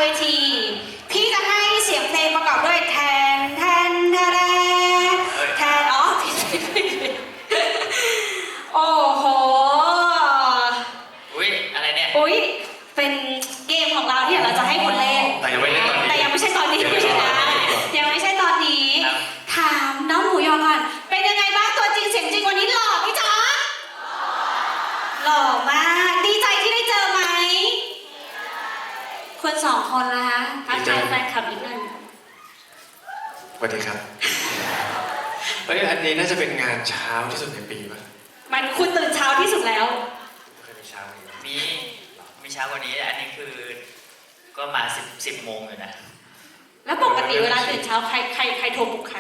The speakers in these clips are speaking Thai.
ทีพี่จะให้เสียงเพลงประกอบด้วยแทนแทนแทนแทนอ๋อผิดโอ้โหอุ้ยอะไรเนี่ยอุ้ยเป็นเกมของเราที่เราจะให้คุณเล่นแต่ยังไม่เล่นตอนนี้แต่ยังไม่ใช่ตอนนี้คุณชนะยังไม่ใช่ตอนนี้ถามน้องหมูยอก่อนเป็นยังไงบ้างตัวจริงเสียงจริงวันนี้หล่อพี่จ๊ะหล่อมากดีใจที่ได้เจอไหมคนสองคนละคะทักทายแฟนคลับอีกหนึ่งสวัสดีครับเฮ้ยอันนี้น่าจะเป็นงานเช้าที่สุดในปีป่ะมันคุณตื่นเช้าที่สุดแล้วไม่เคยมีเช้าเลยนะมีเช้ากว่านี้อันนี้คือก็มา10 โมงอยู่นะแล้วปกติเวลาตื่นเช้าใครโทรปลุกใคร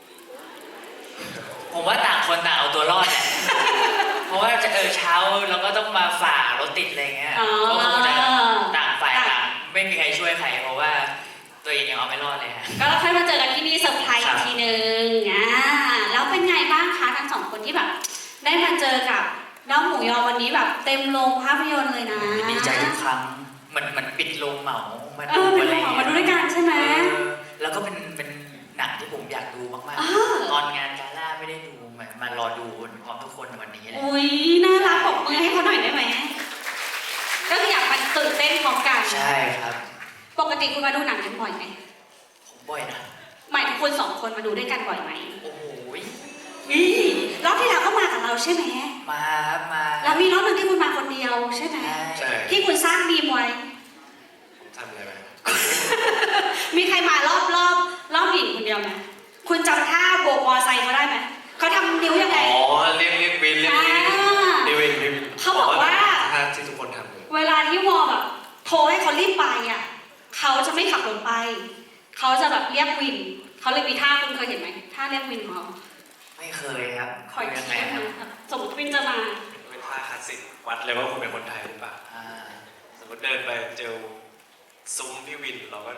ผมว่าต่างคนต่างเอาตัวรอดแหละ เพราะว่าจะเช้าเราก็ต้องมาฝ่ารถติดอะไรเงี้ยอ๋อก็คงจะต่างฝ่ายต่างไม่มีใครช่วยใครเพราะว่าตัวเองยังเอาไม่รอดเลยฮะก็เราค่อยมาเจอกันที่นี่เซอร์ไพรส์อีกทีนึงแล้วเป็นไงบ้างคะทั้งสองคนที่แบบ ได้มาเจอกับน้องหมูยอวันนี้แบบเต็มโรงภาพยนตร์เลยนะดีใจทุกครั้งมันปิดโรงเหมามาเอดูอเป็นอะไรโรงเงี้ยมาดูด้วยกันใช่ไหมแล้วก็เป็นหนังที่ผมอยากดูมากอ่าๆตอนงานกาล่าไม่ได้ดูมารอดูพร้อมทุกคนในวันนี้เลยอุ้ยน่ารักปรบมือให้เขาหน่อยได้ไหมก็คืออยากมาตื่นเต้นพร้อมกันใช่ครับปกติคุณมาดูหนังกันบ่อยไหมผมบ่อยนะหมายถึงคุณสองคนมาดูด้วยกันบ่อยไหมโอ้โหรอบที่แล้วก็มากับเราใช่ไหมมาครับมาแล้วมีรอบหนึงที่คุณมาคนเดียวใช่ไหมใช่ที่คุณสร้างมีมไว้ผมทำอะไรไปมีใครมรอบหญิงคนเดียวไหมคุณจำท่าโบกมอไซค์เขาได้ไหมเขาทำนิ้วยังไงอ๋อเรียกวินเรียกวินอ่าเรียกวินเรียกวินเขาบอกว่าท่าที่ทุกคนทำเลยเวลาที่วอแบบโทรให้เขารีบไปอ่ะเขาจะไม่ขับรถไป เขาจะแบบเรียกวิน เขาเลยมีท่าคุณเคยเห็นไหมท่าเรียกวินของเขาไม่เคยครับคอยยัคิงไงดครับนะสมมติวินจะมาเป็นท่าคลาสสิกวัดเลยว่าคุณเป็นคนไทยหรือเปล่าอ่าสมมติเดินไปเจอซุ้มพี่วินเราก็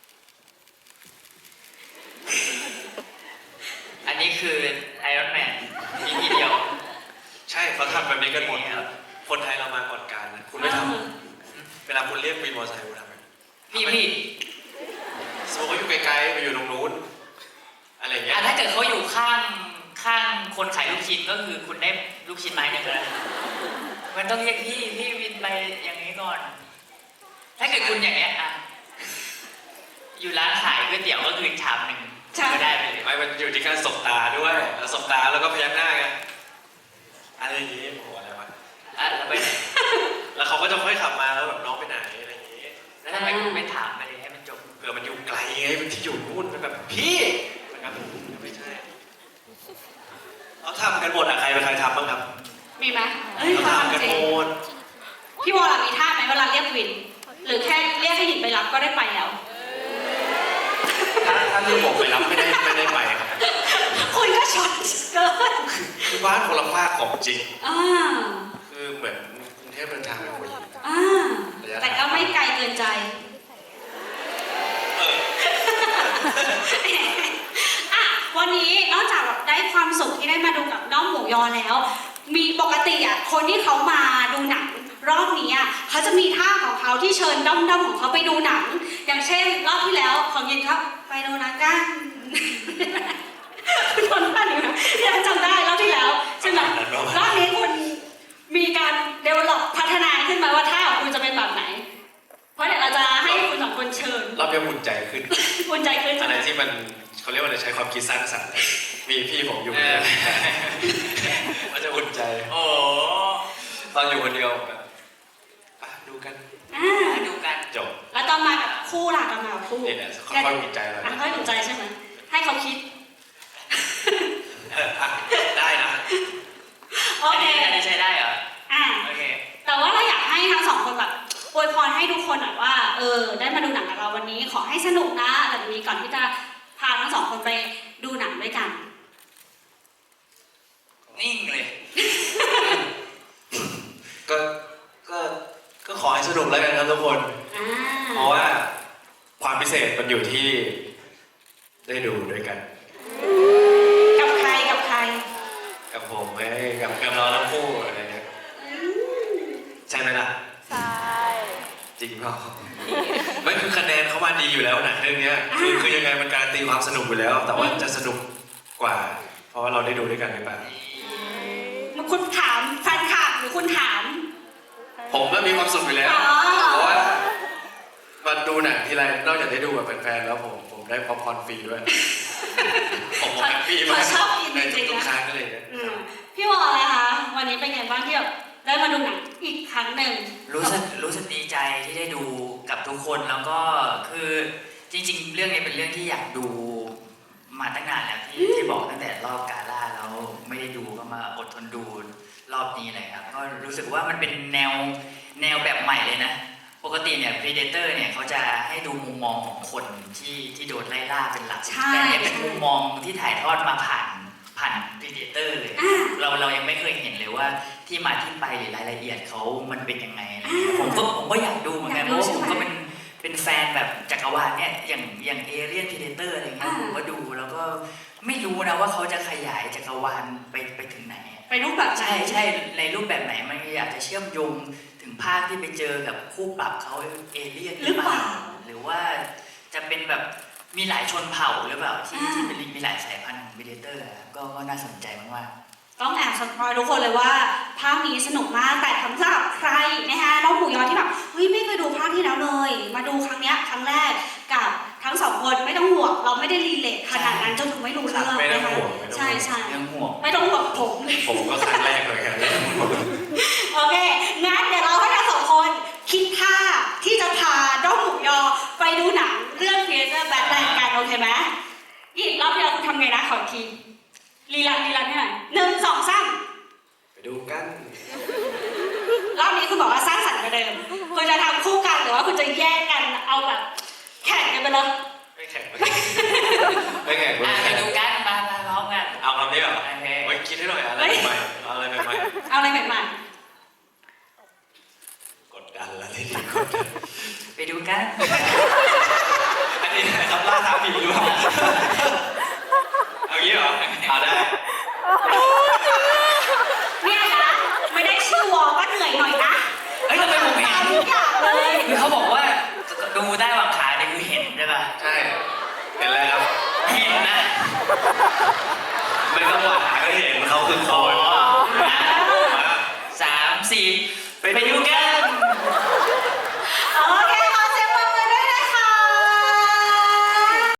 อันนี้คือไอรอนแมนมีทีเดียวใช่เขาทำแบบนี้กันหมดครับคนไทยเรามาก่อนการนะคุณไม่ทำเวลาคุณเรียกวินมอเตอร์ไซค์คุณทำไหมพี่สมมติเขาอยู่ไกลๆไปอยู่ตรงนู้นอะไรอย่างเงี้ยถ้าเกิดเขาอยู่ข้างคนขายลูกชิ้นก็คือคุณได้ลูกชิ้นไม้หนึ่งแล้วมันต้องเรียกพี่วินไปอย่างนี้ก่อน ถ้าเกิดคุณอย่างเงี้ยอ่ะอยู่ร้านขายก๋วยเตี๋ยวก็คือชามหนึ่งก็ได้ไปเลยไม่มันอยู่ที่การสบตาด้วยสบตาแล้วก็พยักหน้าไงอะไรอย่างงี้โอ้โหอะไรวะอ่ะแล้วไปไหนแล้วเขาก็จะค่อยขับมาแล้วแบบน้องไปไหนอะไรอย่างงี้แล้วทำไมคุณไม่ถามไปเลยให้มันจบเผื่อมันอยู่ไกลไงมันที่อยู่นู่นมันแบบพี่นะครับไม่ใช่เขาทำกันหมดอะใครเป็นใครทำบ้างครับมีไหมเอ้ยเขาเขาทำกันทำจริหงมดพี่วอลล่ะมีท่าไหมเวลาเรียกวิน หรือแค่เรียกให้หญิงไปรับก็ได้ไปแล้วถ้าลูกผมไปรับไม่ได้ไปครับคุณก็ช็อตเกินคือบ้านคนละภาคของจริงอ่าคือเหมือนกรุงเทพเดินทางไปหัวหินอ่าแต่ก็ไม่ไกลเกินใจเอออ่ะวันนี้นอกจากแบบได้ความสุขที่ได้มาดูกับน้องหมูยอแล้ว มีปกติอ่ะคนที่เขามาดูหนังรอบนี้อ่ะเขาจะมีท่าของเขาที่เชิญด้อมๆของเขาไปดูหนัง อย่างเช่นรอบที่แล้วของยินครับไปดูหนังกัน คุณทนท่านี้ไหมยังจำได้รอบที่แล้วใช่ไหมรอบนี้คุณมีการเดเวลลอปพัฒนาขึ้นมาว่าท่าของคุณจะเป็นแบบไหน เพราะเดี๋ยวเราจะให้คุณสองคนเชิญรอบนี้อุ่นใจขึ้นอุ่นใจขึ้นใช่อะไหไรมที่มันเขาเรียกว่าอะไรใช้ความคิดสร้างสรรค์มีพี่ผมอยู่เนี่ยมันจะอุ่นใจโอ้ตอนอยู่คนเดียวแบบอ่ะดูกันอ่าดูกันจบแล้วตอนมากับคู่ล่ะตอนมากับคู่นี่แหละค่อยๆอุ่นใจเราอ่ะค่อยอุ่นใจใช่ไหมให้เขาคิดได้นะโอเคอันนี้ใช้ได้เหรออ่ะโอเคแต่ว่าเราอยากให้ทั้งสองคนแบบอวยพรให้ทุกคนหน่อยว่าได้มาดูหนังกับเราวันนี้ขอให้สนุกนะอะไรแบบนี้ก่อนที่จะพาทั้งสองคนไปดูหนังด้วยกันนิ่งเลยก็ก็ขอให้สนุกแล้วกันครับทุกคนอ่าเพราะว่าความพิเศษมันอยู่ที่ได้ดูด้วยกันกับใครกับใครกับผมไอ้กับเราทั้งคู่อะไรเงี้ยอืมใช่ไหมล่ะใช่จริงเปล่าไม่คือคะแนนมาดีอยู่แล้วหนังเรื่องเนี้ยคือยังไงมันการันตีความสนุกอยู่แล้ว แต่ว่าจะสนุกกว่า เพราะว่าเราได้ดูด้วยกันหรือเปล่าคุณถามแฟนคลับหรือคุณถามผมก็มีความสุขอยู่แล้วอ๋อเพราะว่ามาดูหนังทีไรนอกจากได้ดูกับแฟนๆแล้วผมได้ป๊อปคอร์นฟรีด้วย ผมแฮปปี้มากเขาชอบกินในจริงๆทุกนะๆครั้งเลยเนี่ยพี่วอลเลยคะวันนี้เป็นไงบ้างที่แบบได้มาดูหนังอีกครั้งหนึ่งรู้สึกดีใจที่ได้ดูกับทุกคนแล้วก็คือจริง ๆ เรื่องนี้เป็นเรื่องที่อยากดูมาตั้งนานแล้วที่บอกตั้งแต่รอบกาล่าแล้วไม่ได้ดูก็มาอดทนดูรอบนี้เลยครับก็รู้สึกว่ามันเป็นแนวแบบใหม่เลยนะปกติเนี่ย Predator เนี่ยเขาจะให้ดูมุมมองของคนที่โดนไล่ล่าเป็นหลักใช่แต่เนี่ยเป็นมุมมองที่ถ่ายทอดมาผ่าน Predator เลย เรายังไม่เคยเห็นเลยว่าที่มาที่ไปหรือรายละเอียดเขามันเป็นยังไงอะไรเงี้ยผมก็อยากดูเหมือนกันเพราะว่าผมก็เป็นแฟนแบบจักรวาลเนี่ยอย่างเอเลียน Predator อะไรเงี้ยผมก็ดูแล้วก็ไม่รู้นะว่าเขาจะขยายจักรวาลไปถึงไหนไปรูปแบบไหนใช่ในรูปแบบไหนมันอยากจะเชื่อมโยงถึงภาคที่ไปเจอกับคู่ปรับเขาเอเลี่ยนหรือเปล่าหรือว่าจะเป็นแบบมีหลายชนเผ่าหรือเปล่าที่เป็นมีหลายสายพันธุ์ของ Predator ก็น่าสนใจมากๆต้องแอบสปอยทุกคนเลยว่าภาคนี้สนุกมากแต่สำหรับใครนะคะน้องหมูยอที่แบบเฮ้ยไม่เคยดูภาคที่แล้วเลย มาดูครั้งเนี้ยครั้งแรกกับทั้งสองคนไม่ต้องห่วงเราไม่ได้รีเลทขนาดนั้นจนถึงไม่รู้เรื่องไม่ต้องนะคะห่วงใช่ใช่ยังห่วงไม่ต้องห่วงผมผมก็ครั้งแรกเหมือนกันโอเค งั้นเดี๋ยวเราให้ทั้งสองคนคิดท่าที่จะพาด้อมหมูยอไปดูหนังเรื่องเพียร์เซอร์แบทแมนกันโอเคไหมอีกรอบเดียวคุณทำไงนะขออีกทีรีลันให้หน่อย1 2 3 ไปดูกันรอบนี้คุณบอกว่าสร้างสรรค์กว่าเดิมคุณจะทำคู่กันหรือว่าคุณจะแยกกันเอาแบบแข่งกันไปเลยไม่แข่งไม่แข่งไปดูกันมาพร้อมกันเอาคำนี้เหรอโอเคไว้คิดให้หน่อยอะไรใหม่ๆเอาอะไรใหม่เอาอะไรใหม่ๆกดดันแล้วทีนี้กดดันไปดูกันอันนี้นะครับล่าท้าผีหรือเปล่าเอางี้เหรอเอาได้ๆเนี่ยนะไม่ได้ชื่อวอลก็เหนื่อยหน่อยนะเฮ้ยทำไมผมเห็นทุกอย่างเลยคือเขาบอกว่าดูได้วางขาเนี่ยคือเห็นใช่ป่ะใช่เห็นอะไรครับเห็นนะไม่ต้องหวานก็เห็นเขาคือคน 3 4ไปดูกัน